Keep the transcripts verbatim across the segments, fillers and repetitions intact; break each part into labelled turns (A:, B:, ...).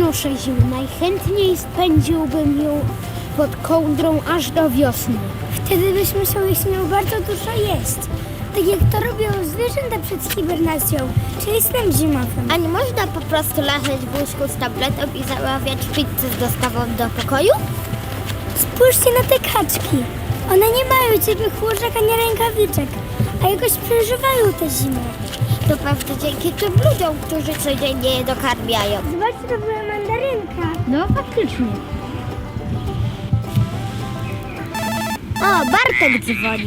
A: znoszę zimę. Najchętniej spędziłbym ją pod kołdrą aż do wiosny.
B: Wtedy byś musiał jeśli bardzo dużo jeść. Tak jak to robią zwierzęta przed hibernacją, czyli snem zimowym.
C: A nie można po prostu leżeć w łóżku z tabletą i zamawiać pizzę z dostawą do pokoju?
B: Spójrzcie na te kaczki. One nie mają ciepłych łóżek ani rękawiczek, a jakoś przeżywają tę zimę.
C: To pewnie dzięki tym ludziom, którzy codziennie je dokarmiają.
B: Zobaczcie, to była mandarynka.
A: No faktycznie.
C: O, Bartek dzwoni.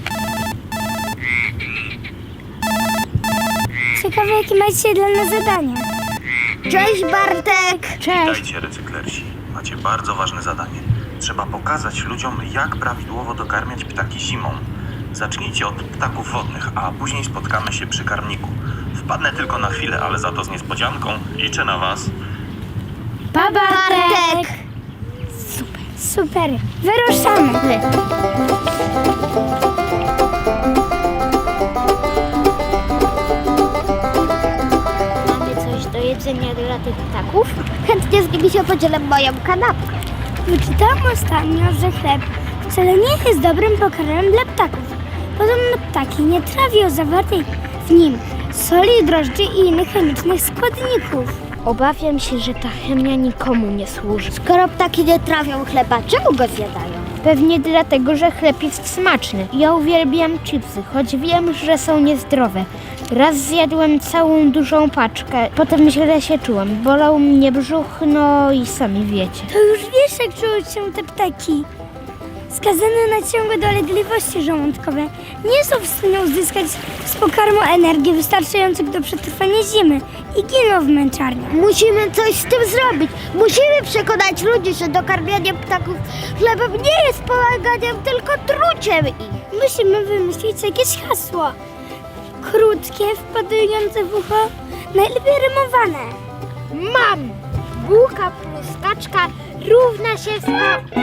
B: Ciekawe, jakie macie dla nas zadania.
C: Cześć, Bartek!
A: Cześć.
D: Witajcie, recyklersi. Macie bardzo ważne zadanie. Trzeba pokazać ludziom, jak prawidłowo dokarmiać ptaki zimą. Zacznijcie od ptaków wodnych, a później spotkamy się przy karmniku. Wpadnę tylko na chwilę, ale za to z niespodzianką. Liczę na was.
A: Pa, Bartek!
B: Super, wyruszamy.
C: Mamy coś do jedzenia dla tych ptaków? Chętnie z nimi się podzielę moją kanapkę.
B: Wyczytałam ostatnio, że chleb wcale nie jest dobrym pokarmem dla ptaków. Podobno ptaki nie trawią zawartej w nim soli, drożdży i innych chemicznych składników.
A: Obawiam się, że ta chemia nikomu nie służy.
C: Skoro ptaki nie trawią chleba, czemu go zjadają?
A: Pewnie dlatego, że chleb jest smaczny. Ja uwielbiam chipsy, choć wiem, że są niezdrowe. Raz zjadłem całą dużą paczkę, potem źle się czułem. Bolał mnie brzuch, no i sami wiecie.
B: To już wiesz, jak czują się te ptaki. Skazane na ciągłe dolegliwości żołądkowe nie są w stanie uzyskać z pokarmu energii wystarczających do przetrwania zimy i giną w męczarniach.
C: Musimy coś z tym zrobić. Musimy przekonać ludzi, że dokarmianie ptaków chlebem nie jest pomaganiem, tylko truciem ich.
B: Musimy wymyślić jakieś hasło. Krótkie, wpadające w ucho, najlepiej rymowane.
A: Mam! Bułka plus kaczka równa się sto...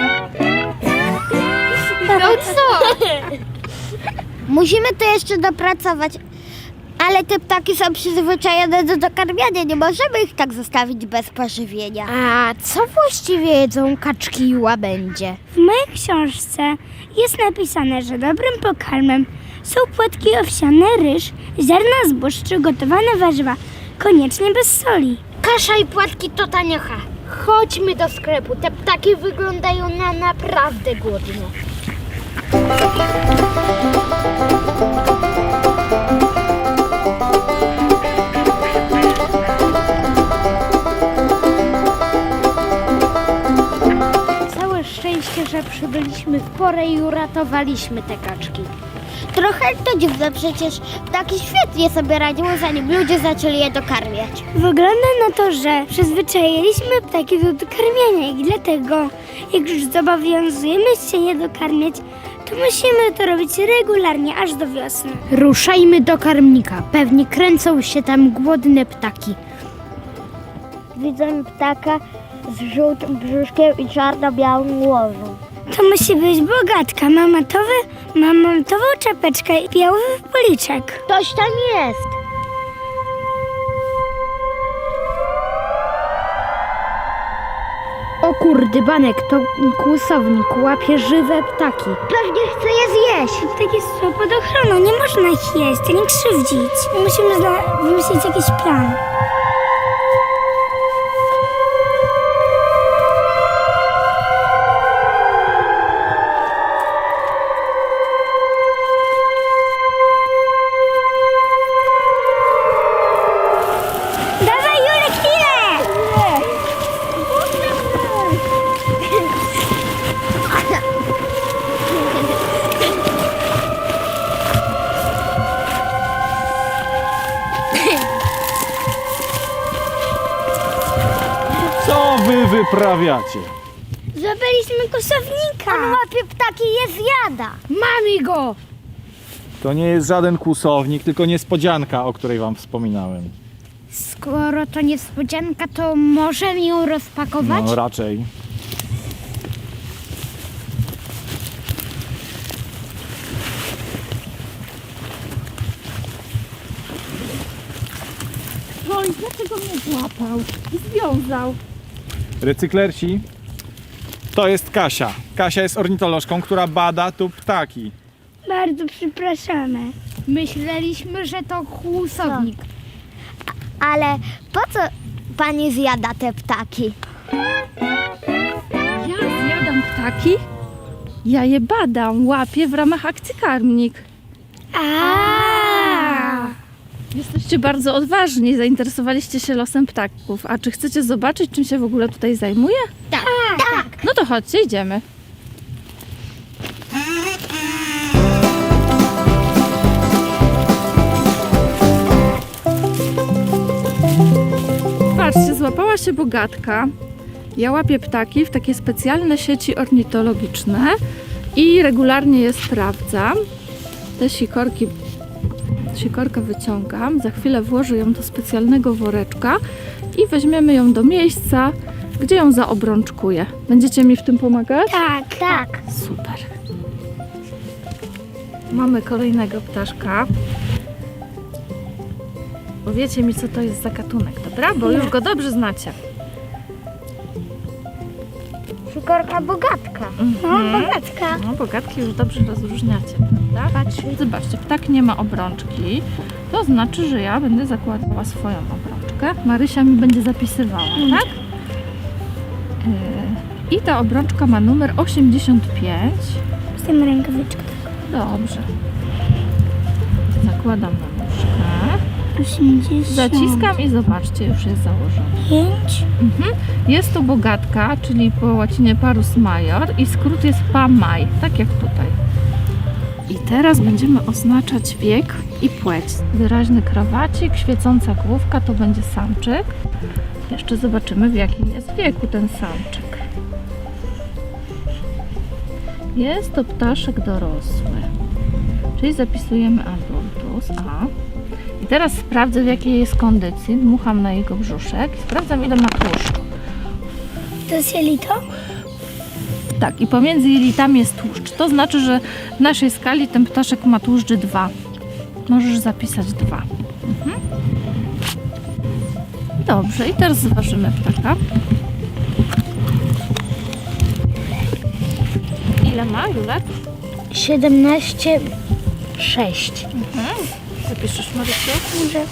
A: No co?
C: Musimy to jeszcze dopracować, ale te ptaki są przyzwyczajone do dokarmiania. Nie możemy ich tak zostawić bez pożywienia.
A: A co właściwie jedzą kaczki i łabędzie?
B: W mojej książce jest napisane, że dobrym pokarmem są płatki owsiane, ryż, ziarna zbóż czy gotowane warzywa, koniecznie bez soli.
A: Kasza i płatki to taniocha. Chodźmy do sklepu. Te ptaki wyglądają na naprawdę głodne. Całe szczęście, że przybyliśmy w porę i uratowaliśmy te kaczki.
C: Trochę to dziwne, przecież ptaki świetnie sobie radziły, zanim ludzie zaczęli je dokarmiać.
B: Wygląda na to, że przyzwyczailiśmy ptaki do dokarmiania i dlatego, jak już zobowiązujemy się je dokarmiać, to musimy to robić regularnie aż do wiosny.
A: Ruszajmy do karmnika. Pewnie kręcą się tam głodne ptaki.
C: Widzę ptaka z żółtym brzuszkiem i czarno-białą głową.
B: To musi być bogatka, ma matowy, ma matową czapeczkę i biały policzek.
C: Ktoś tam jest.
A: O kurdy, Banek, to kłusownik łapie żywe ptaki.
C: Pewnie chce je zjeść.
B: Ptaki są pod ochroną, nie można ich jeść, ani krzywdzić. Musimy zna- wymyślić jakiś plan. Dawaj, Julek, chwilę!
E: Co wy wyprawiacie?
B: Złapaliśmy kosownika.
C: On łapie ptaki i je zjada.
A: Mamy go!
E: To nie jest żaden kłusownik, tylko niespodzianka, o której wam wspominałem.
A: Skoro to niespodzianka, to możemy ją rozpakować?
E: No raczej.
F: Oj, dlaczego mnie złapał i związał?
E: Recyklersi, to jest Kasia. Kasia jest ornitolożką, która bada tu ptaki.
B: Bardzo przepraszamy.
A: Myśleliśmy, że to kłusownik.
C: Ale po co pani zjada te ptaki?
F: Ja zjadam ptaki? Ja je badam, łapię w ramach akcji Karmnik.
B: A.
F: Jesteście bardzo odważni, zainteresowaliście się losem ptaków. A czy chcecie zobaczyć, czym się w ogóle tutaj zajmuję?
A: Tak.
F: No to chodźcie, idziemy. Patrzcie, złapała się Bogatka. Ja łapię ptaki w takie specjalne sieci ornitologiczne i regularnie je sprawdzam. Te sikorki, sikorkę wyciągam, za chwilę włożę ją do specjalnego woreczka i weźmiemy ją do miejsca, gdzie ją zaobrączkuję. Będziecie mi w tym pomagać?
B: Tak, tak.
F: Super. Mamy kolejnego ptaszka. Powiecie mi, co to jest za gatunek, dobra? Bo już go dobrze znacie.
A: Sikorka Bogatka.
B: No, Bogatka.
F: No, Bogatki już dobrze rozróżniacie, prawda?
A: Patrz.
F: Zobaczcie, ptak nie ma obrączki. To znaczy, że ja będę zakładała swoją obrączkę. Marysia mi będzie zapisywała, tak? Yy, I ta obrączka ma numer osiemdziesiąt pięć.
B: Z tym rękawiczką.
F: Dobrze. Zakładam na nóżkę.
B: osiemdziesiąt
F: Zaciskam i zobaczcie, już jest założone.
B: pięć.
F: Mhm. Jest to Bogatka, czyli po łacinie Parus major i skrót jest P A maj, tak jak tutaj. I teraz będziemy oznaczać wiek i płeć. Wyraźny krawacik, świecąca główka to będzie samczyk. Jeszcze zobaczymy, w jakim jest wieku ten samczyk. Jest to ptaszek dorosły, czyli zapisujemy adultus A. I teraz sprawdzę, w jakiej jest kondycji. Dmucham na jego brzuszek i sprawdzam, ile ma tłuszczu.
B: To jest jelito?
F: Tak, i pomiędzy jelitami jest tłuszcz. To znaczy, że w naszej skali ten ptaszek ma tłuszcz dwa. Możesz zapisać dwa. Mhm. Dobrze, i teraz zważymy ptaka. Ile ma, Julek?
A: siedemnaście sześć.
F: Mhm. Zapiszesz, Marysiu?
B: Może.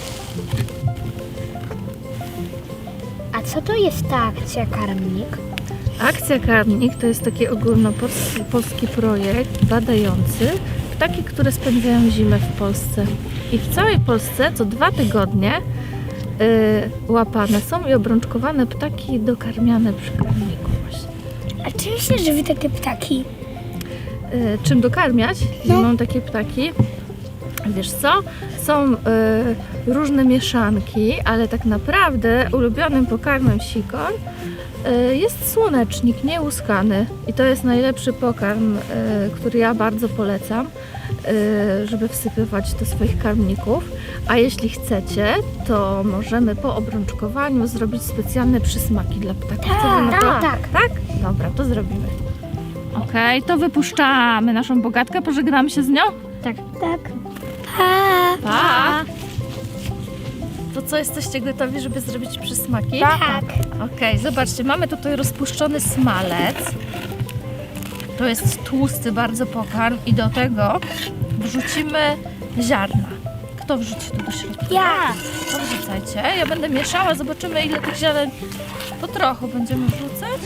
A: A co to jest ta akcja Karmnik?
F: Akcja Karmnik to jest taki ogólnopolski polski projekt badający ptaki, które spędzają zimę w Polsce. I w całej Polsce co dwa tygodnie yy, łapane są i obrączkowane ptaki dokarmiane przy karmniku właśnie.
B: A czym się żywi takie ptaki?
F: Yy, czym dokarmiać zimą takie ptaki? Wiesz co? Są y, różne mieszanki, ale tak naprawdę ulubionym pokarmem sikor y, jest słonecznik niełuskany. I to jest najlepszy pokarm, y, który ja bardzo polecam, y, żeby wsypywać do swoich karmników. A jeśli chcecie, to możemy po obrączkowaniu zrobić specjalne przysmaki dla ptaków. Co wy na to?
A: tak,
F: tak. Tak? Dobra, to zrobimy. Okej, to wypuszczamy naszą Bogatkę. Pożegnamy się z nią?
A: Tak.
B: Tak. A.
F: Pa! To co, jesteście gotowi, żeby zrobić przysmaki?
B: Tak.
F: Okej, zobaczcie, mamy tutaj rozpuszczony smalec. To jest tłusty bardzo pokarm i do tego wrzucimy ziarna. Kto wrzuci to do środka?
B: Ja.
F: To wrzucajcie. Ja będę mieszała, zobaczymy, ile tych ziaren. To trochę będziemy wrzucać.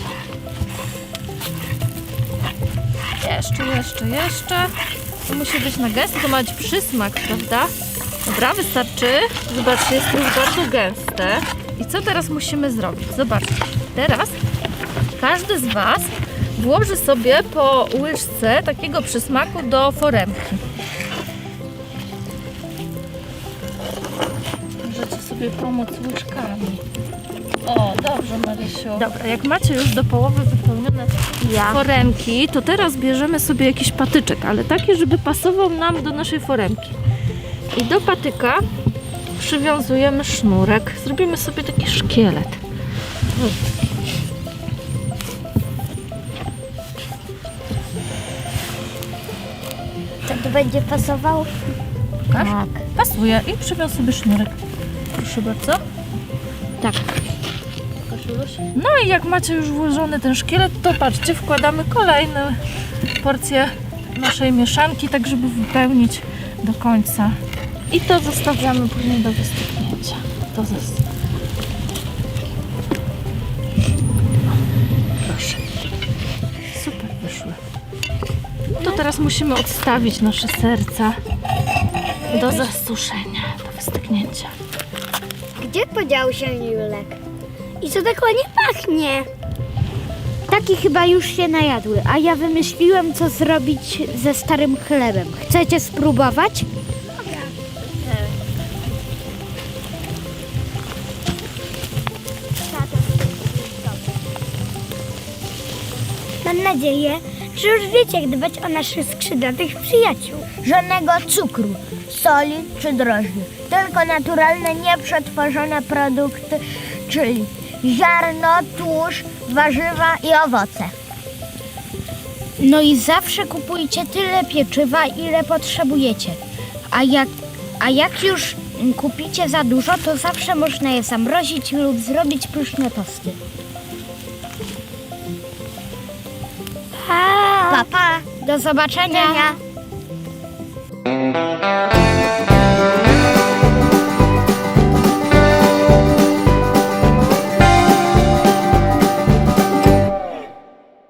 F: Jeszcze, jeszcze, jeszcze. To musi być na gęsto, to ma być przysmak, prawda? Dobra, wystarczy. Zobaczcie, jest to już bardzo gęste. I co teraz musimy zrobić? Zobaczcie. Teraz każdy z Was włoży sobie po łyżce takiego przysmaku do foremki. Możecie sobie pomóc łyżkami. O, dobrze, Marysiu. Dobra, jak macie już do połowy wypełnione foremki, to teraz bierzemy sobie jakiś patyczek, ale taki, żeby pasował nam do naszej foremki. I do patyka przywiązujemy sznurek. Zrobimy sobie taki szkielet.
C: To to będzie pasował?
F: Pokaż? Pasuje i przywiąż sobie sznurek. Proszę bardzo.
A: Tak.
F: Pokaż No i jak macie już włożony ten szkielet, to patrzcie, wkładamy kolejne porcje naszej mieszanki, tak żeby wypełnić do końca. I to zostawiamy później do wystygnięcia. To zostawiamy. Proszę. Super wyszły. To teraz musimy odstawić nasze serca do zasuszenia, do wystygnięcia.
C: Gdzie podział się Julek?
B: I co tak ładnie pachnie?
A: Taki chyba już się najadły, a ja wymyśliłem, co zrobić ze starym chlebem. Chcecie spróbować?
B: Mam nadzieję, że już wiecie, jak dbać o naszych skrzydlatych przyjaciół.
C: Żadnego cukru, soli czy drożdży. Tylko naturalne, nieprzetworzone produkty, czyli ziarno, tłuszcz, warzywa i owoce.
A: No i zawsze kupujcie tyle pieczywa, ile potrzebujecie. A jak, a jak już kupicie za dużo, to zawsze można je zamrozić lub zrobić pyszne tosty.
B: Pa!
C: Pa, pa.
A: Do zobaczenia!
C: Widzenia.